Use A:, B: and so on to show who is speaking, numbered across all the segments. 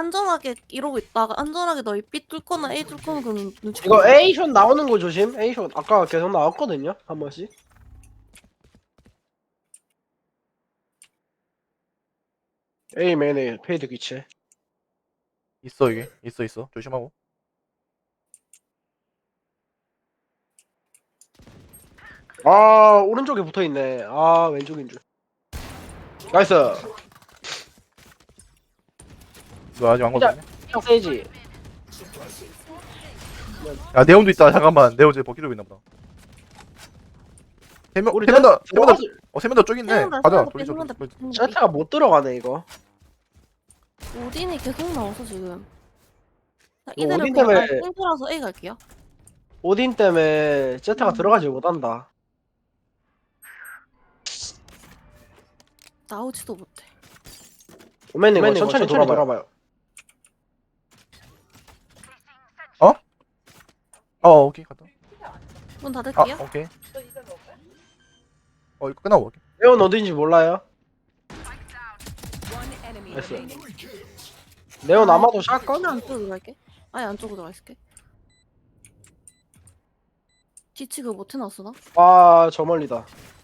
A: 안전하게 이러고 있다가 안전하게 너희 B 뚫거나 A 뚫거나 그러면 눈치
B: 이거
A: 보이잖아.
B: A숏 나오는 거 조심. A숏 아까 계속 나왔거든요. 한 번씩. A 맨에 페이드 기체.
C: 있어 이게 있어 조심하고.
B: 아 오른쪽에 붙어 있네. 아 왼쪽인 줄. 나이스.
C: 너 아직 안 걸렸네.
B: 그냥 세지.
C: 야 네온도 있다. 잠깐만 네온 제 버킷 좀 있나 보다. 세명
B: 우리
C: 세명 다
B: 들어가지-
C: 세 명 다 저기 있네.
A: 세명다,
C: 가자.
A: 세명다,
C: 돌리자.
A: 세명다,
C: 돌리자.
A: 세명다.
B: 제타가 못 들어가네 이거.
A: 오딘이 계속 나와서 지금. 자,
B: 이거
A: 이대로
B: 오딘
A: 그냥
B: 때문에-
A: 땡겨라서 A 갈게요.
B: 오딘 때문에 제타가 들어가지 못한다.
A: 나오지도 못해.
B: 오맨님 이거 천천히 돌아봐요.
C: 오케이 갔다.
A: 문 닫을게요.
C: 오케이. 이거 끝나고 올게.
B: 레온 어딘지 몰라요.
D: One enemy
B: Yes, sir.
D: remaining.
B: 레온 아마도 샷건?
A: 아예 안쪽으로 들어갈게. 아예 안쪽으로 들어가 있을게. 뒤치기 못 해놨어 나?
B: 아저 멀리다.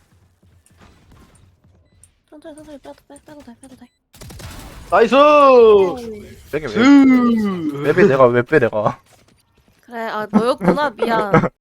A: 천천히 빼도 돼.
B: 나이스.
C: 빼게 왜?
B: 으.
C: 왜 빼 내가 왜 빼 내가?
A: 그래 아 너였구나 미안.